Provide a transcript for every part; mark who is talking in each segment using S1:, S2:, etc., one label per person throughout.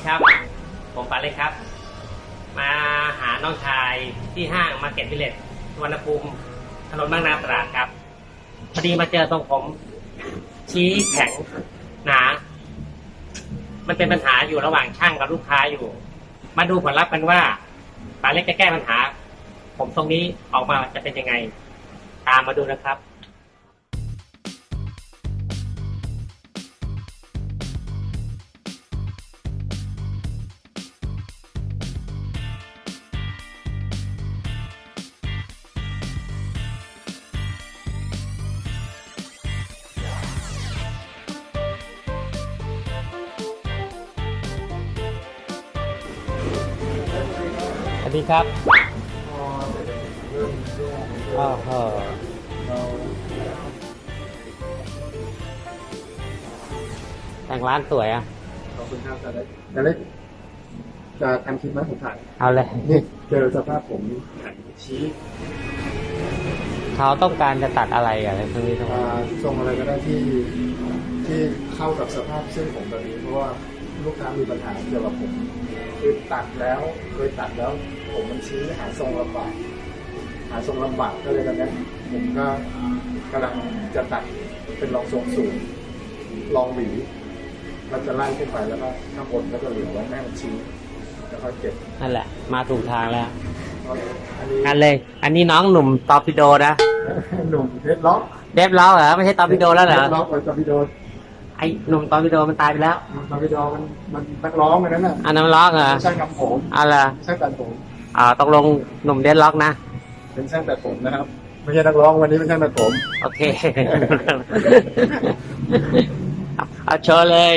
S1: ครับผมปาเล็กครับ มาหาน้องชายที่ห้างมาร์เก็ตวิลเลจสุวรรณภูมิถนนบางนาตราดครับพอดีมาเจอตรงผมชี้แข็งหนามันเป็นปัญหาอยู่ระหว่างช่างกับลูกค้าอยู่ มาดูผลลัพธ์กันว่าปาเล็กจะแก้ปัญหาผมตรงนี้ออกมาจะเป็นยังไงตามมาดูนะครับสวัสดีครับแต่งร้านสวยอ่ะ
S2: ขอบคุณครับอาจารย์เล็กจะทำคลิปไหมผมถ่าย
S1: เอาเลย
S2: นี่เจอสภาพผมแข็งชี้
S1: เขาต้องการจะตัดอะไรตรงนี้ตรงนี้
S2: ทรงอะไรก็ได้ที่เข้ากับสภาพเส้นผมแบบนี้เพราะว่าลูกค้ามีปัญหาเกี่ยวกับผมคือตัดแล้วเคยตัดแล้วผมมันชี้หาทรงลำบากก็เลยตอนนี้ผมก็กำลังจะตัดเป็นรองทรงสูงรองหวีเราจะไล่ขึ้นไปแล้วก็ข้างบนก็จะเหลือไว้แม่มันชี้แล้วก็เก็บ
S1: นั่นแหละมาถูกทางแล้ว
S2: อัน
S1: เลยอันนี้น้องหนุ่มตอร์ปิโดนะ
S2: หนุ่มเดดล็อก
S1: เหรอไม่ใช่ตอร์ปิโดแล้วเหรอ
S2: เดดล็อกตอร์ปิโด
S1: ไอ้หนุ่มตอร์ปิโดมันตายไปแล้ว
S2: ตอร์ปิโดมันนักร้องนั้นน่ะ
S1: อันนั้นร้องเหรอ
S2: ช่างทำผม
S1: อะไร
S2: ช่างตัดผม
S1: ตกลงหนุ่มเดดล็อกนะ
S2: เป็นช่างตัดผมนะครับไม่ใช่นักร้องวันนี้เป็นช่างตัดผม
S1: โอเคเอาโชว์เลย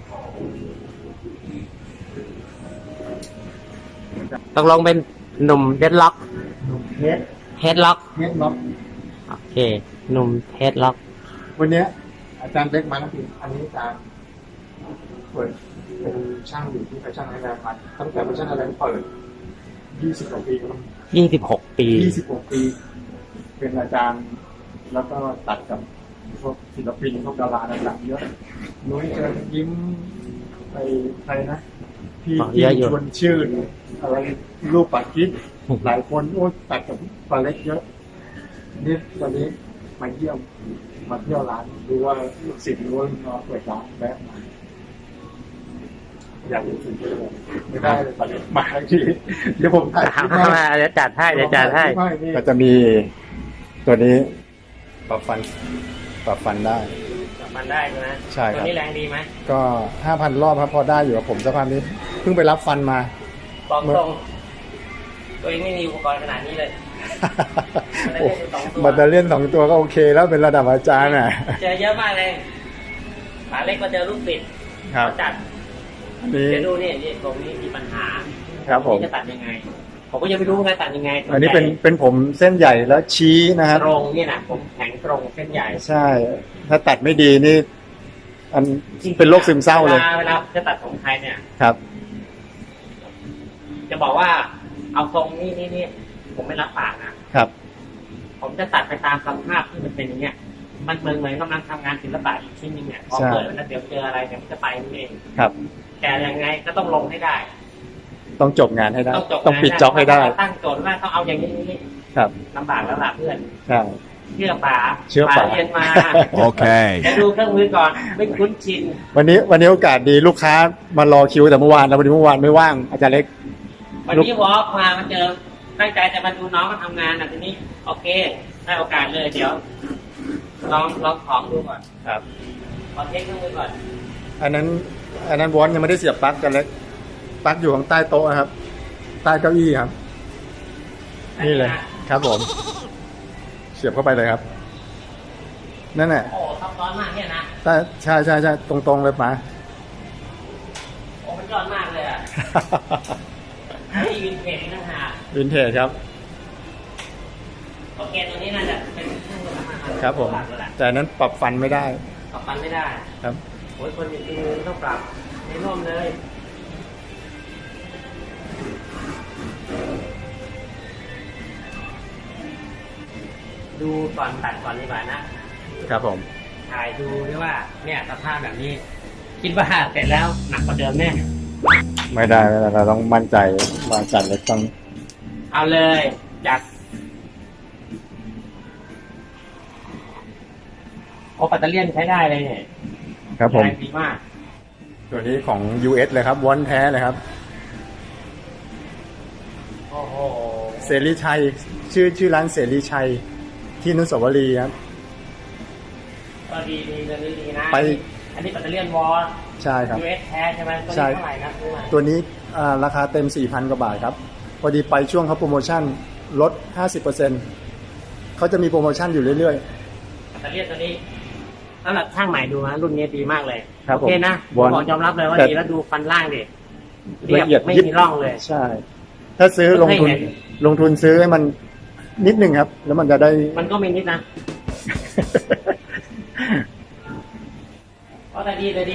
S1: ตกลงเป็นหนุ่มเดดล็อกเฮดล็อกโอเคหนุ่มเฮดล็อก
S2: วันนี้อาจารย์เล็กมาแล้วพี่อันนี้อาจารย์เปิดเป็นช่างอยู่ที่แฟชั่นไอแลนด์มาตั้งแต่แฟชั่นไอแลนด์เปิด20 กว่าปีแล้ว
S1: 26 ปี
S2: เป็นอาจารย์แล้วก็ตัดกับพวกศิลปินพวกดาราดังๆเยอะนุ้ยเชิญยิ้มไปใครนะพี่ชวนชื่นอะไรรูปปัดกิ๊กหลายคนโอ้ตัดกับปลาเล็กเยอะนี่ตอนนี้มาเที่ยวร้านดูว่าลูกศิษย์รู้ว่าน้องเปิดร้านแบบมาอยากเป็นสิ่งที่ไม่ได้เลยปลาเล็กมาทีเดี๋ยวผมถ่าย
S1: เดี๋ยวจัดให้
S2: ก็จะมีตัวนี้ปรับฟันได้
S1: ใช่ไหม
S2: ใช่ครับ
S1: ตัวนี้แรงดีไหม
S2: ก็ 5,000 รอบครับพอได้อยู่กับผมสภาพนี้เพิ่งไปรับฟันมา
S1: บอกตรงตัวเองไม่มีอุปกรณ์ขนาดนี้เลย
S2: บัตเตอร์เลี่ยน2 ตัวก็โอเคแล้วเป็นระดับอาจารย์น่ะ
S1: เจอเยอะมากเลยขาเล็กก็เจอลูกศิษย์จัดเดี๋ยวดูนี่ตรงนี้มีปัญหา
S2: ครับผม
S1: จะตัดยังไงผมก็ยังไม่รู้ไงตัดยังไง
S2: อันนี้เป็นผมเส้นใหญ่แล้วชี้นะครับ
S1: ตรงนี่นะผมแข็งตรงเส้นใหญ่
S2: ใช่ถ้าตัดไม่ดีนี่อันเป็นโรคซึมเศร้าเลย
S1: เวลาจะตัดผมใครเนี่ย
S2: ครับ
S1: จะบอกว่าเอาทรงนี่ผมไม่รับปากนะครับผมจะตัดไปตามสภาพที่มันเป็นอย่างเงี้ยมันเหมือนกำลังทำงานศิลปะอีกชิ้นนึงเนี่ยพอเปิดแล้วเดี๋ยวเจออะไรเนี่ยมันจะไปนั่นเอง
S2: ครับ
S1: แต่ยังไงก็ต้องลงให้ได้
S2: ต้องจบงานให้ได้ต้องปิดจ็อบให้ได้
S1: ตั้งโจทย์ว่าต้องเอาอย่างนี้
S2: ครับ
S1: ลำบากแล้วล่ะเพื่อน
S2: ใช่
S1: เชื่อป๋าเรียนมา
S3: โอเค
S1: จะดูเครื่องมือก่อนไม่คุ้นชิน
S2: วันนี้โอกาสดีลูกค้ามารอคิวแต่เมื่อวานแล้ววันนี้ไม่ว่างอาจารย์เล็ก
S1: วันนี้วอล์กมาเจอตั้งใจจะมาดูน้องมาทำงานทีนี้โอเคได้โอกาสเลยเดี๋ยวลองของดูก่อน
S2: ครับ
S1: ขอเทคเครื่องมือก่อน
S2: อันนั้นวอนยังไม่ได้เสียบปลั๊กกันเล็กปลั๊กอยู่ข้างใต้โต๊ะครับใต้เก้าอี้ครับนี่เลยครับผมเสียบเข้าไปเลยครับนั่นแหละ
S1: โอ้ซับซ้อนมากเนี่ยนะ
S2: ใช่ตรงๆเลยป๋า
S1: โอ้มันยอดมากเลยอ่ะนี่วินเทจนะฮะ
S2: วินเทจครับ
S1: โอเคตัวนี้น่าจะเป็นเครื่องมือทำอาหาร
S2: ครับผมแต่นั้นปรับฟันไม่ได้
S1: ครับโอ้ยคนอย่างนี้ต้องปรับไม่ร่วมเลยดูก่อนตัดก่อนดีกว่า
S2: นะครับผม
S1: ถ่ายดูด้วยว่าเนี่ยสภาพแบบนี้คิดว่าเสร็จแล้วหนักกว่าเดิมแน่
S2: ไม่ได้เราต้องมั่นใจว่าจานเล็กต้อง
S1: เอาเลยจากโอปัตเตอร์เลียนใช้ได้เลยเนี่ย
S2: ครับผม
S1: แรงดีมาก
S2: ตัวนี้ของ US เลยครับวอนแท้เลยครับ
S1: โอ้โห
S2: เสรีชัยชื่อร้านเสรีชัยที่อนุสาวรีย์ครับ
S1: ก็ดีตัวนี้ดีนะ
S2: ไป
S1: อันนี้ปัตเตอร์เลียนวอล
S2: ใช่ครับ
S1: US แท้ใช่ไหมตัว
S2: ใช่
S1: นี้เท่าไหร่นะซื้อมา
S2: ตัวนี้ราคาเต็ม 4,000 กว่าบาทครับ พอดีไปช่วงเขาโปรโมชั่นลด 50%เขาจะมีโปรโมชั่นอยู่เรื่อย
S1: ปัตเตอร์เลียนตัวนี้สำหรับช่างใหม่ดูนะรุ่นนี้ดีมากเลย
S2: ครับ
S1: โอเคนะ
S2: ผม
S1: บอกยอมรับเลยว่า
S2: แต่
S1: ดีแล้วดูฟันล่างดิ
S2: ๆ
S1: เรียบไม่มีร่องเลย
S2: ใช่ ถ้าซื้อลงทุน
S1: ไม่เคยเห็น
S2: ลงทุนซื้อให้มันนิดหนึ่งครับ แล้วมันจะได้
S1: มันก็มีนิดนะก็แต่ดี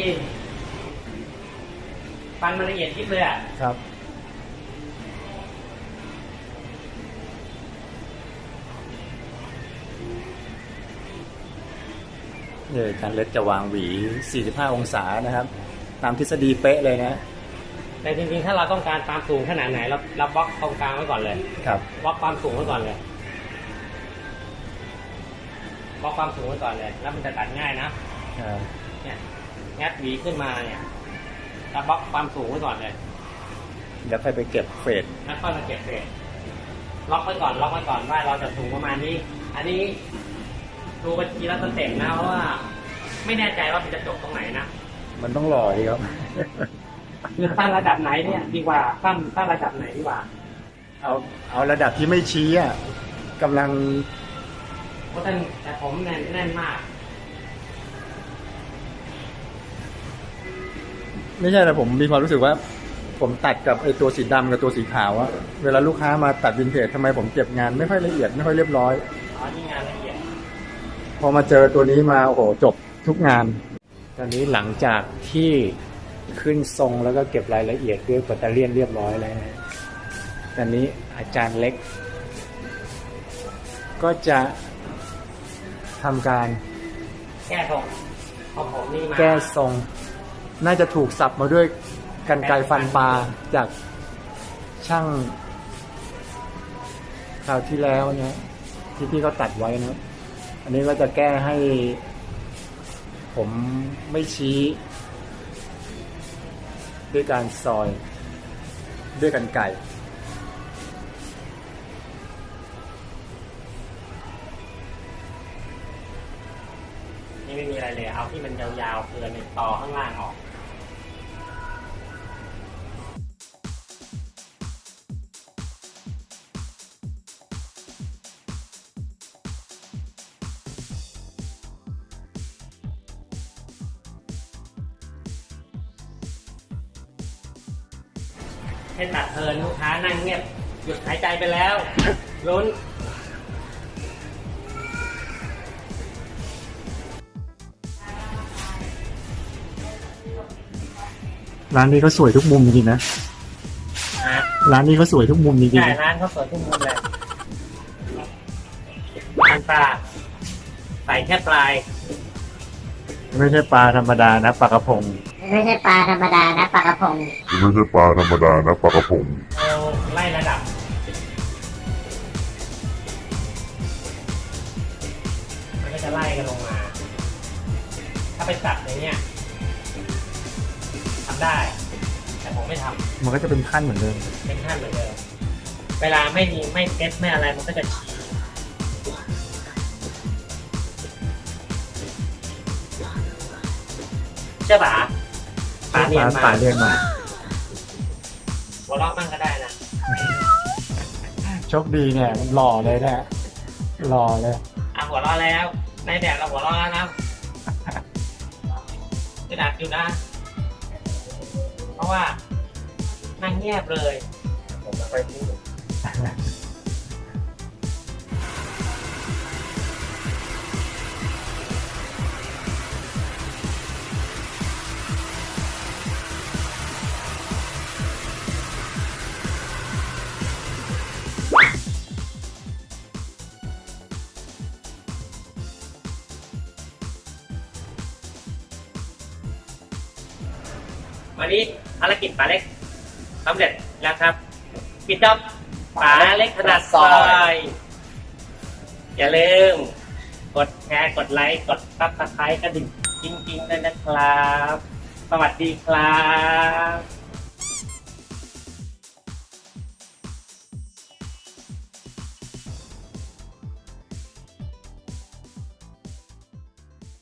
S1: ฟันมันละเอียดยิบเลยอ่ะ
S2: ครับเนี่ยการเล็ดจะวางหวี 45 องศานะครับ ตามทฤษฎีเป๊ะเลยนะ
S1: แต่จริงๆถ้าเราต้องการความสูงขนาดไหนเราบล็อกตรงกลางไว้ก่อนเลย
S2: ครับ
S1: บล็อกความสูงไว้ก่อนเลยบล็อกความสูงไว้ก่อนเลย แล้วมันจะตัดง่ายนะเนี่ยงัดหวีขึ้นมาเนี่ยเราบล็อกความสูงไว้ก่อนเลย
S2: เดี๋ยวค่อยไปเก็บเฟด
S1: แล้วค่อยมาเก็บเศษล็อกไว้ก่อนว่าเราจะสูงประมาณนี้ อันนี้ดูบัญชีแล้วสเต็ปนะเพราะว่า ไม่แน่ใจว่ามันจะจบตรงไหนนะ
S2: มันต้องหล่อดีครับ
S1: คือตั้งระดับไหนเนี่ยดีกว่าตั้งระดับไหนดีกว่า
S2: เอาระดับที่ไม่ชี้อ่ะกำลัง
S1: เพราะแต่ผมแน่นมาก
S2: ไม่ใช่แต่ผมมีความรู้สึกว่า ผมตัดกับไอ้ตัวสีดำกับตัวสีขาวอะเวลาลูกค้ามาตัดวินเทจทำไมผมเก็บงานไม่ค่อยละเอียดไม่ค่อยเรียบร้อย
S1: อ๋อนี่งานละเอียด
S2: พอมาเจอตัวนี้มาโอ้โหจบทุกงาน ตอนนี้หลังจากที่ขึ้นทรงแล้วก็เก็บรายละเอียดด้วยปัตเตอร์เลียนเรียบร้อยแล้วนะตอนนี้อาจารย์เล็ก ก็จะทำการ
S1: แก้ทรงของผมนี่มา
S2: แก้ทรง น่าจะถูกสับมาด้วยกรรไกรฟันปลาจากช่างคราวที่แล้วนะที่พี่เขาตัดไว้นะ อันนี้ก็จะแก้ให้ ผมไม่ชี้ด้วยการซอย ด้วยกรรไกร
S1: นี่ไม่มีอะไรเลยเอาที่มันยาวๆเกินต่อข้างล่างออกให้ตัดเพลินลูกค้านั่งเงียบหยุดหายใจไปแล้วลุ้น
S2: ร้านนี้ก็สวยทุกมุมจริงๆนะ ร้านนี้ก็สวยทุกมุมจริง
S1: ใช่ร้านเขาเปิดทุกมุมเลยอันปลาใส่แค่ปลาย
S2: ๆไม่ใช่ปลาธรรมดานะปลากระพง
S3: ไม่ใช่ปลาธรรมดานะปลากระพง
S4: ไม่ใช่ปลาธรรมดานะปลากระพง
S1: เอาไล่ระดับ มันก็จะไล่กันลงมา ถ้าไปสับอย่างเงี้ยทำได้ แต่ผมไม่ท
S2: มันก็จะเป็นขั้นเหมือนเดิม
S1: ำเป็นขั้นเหมือนเดิมเวลาไม่เก็ตไม่อะไรมันก็จะชี้ใช่ปะปลาเนียนมา
S2: ปลาเรียนมา
S1: หัวเราะมั่งก็ได้นะ
S2: โชคดีเนี่ยมันหล่อเลยนะหล่อเลย
S1: หัวเราะแล้วในแดดเราหัวเราะแล้วนะกระดาษอยู่นะ เพราะว่านั่งเงียบเลยผมไม่ค่อยพูดวันนี้ภารกิจป๋าเล็กสำเร็จแล้วครับปิดจ็อบป๋าเล็กถนัดซอย อย่าลืมกดแชร์กดไลค์กดซับสไครต์กระดิ่งจริงๆด้วยนะครับ สวัสดีครับ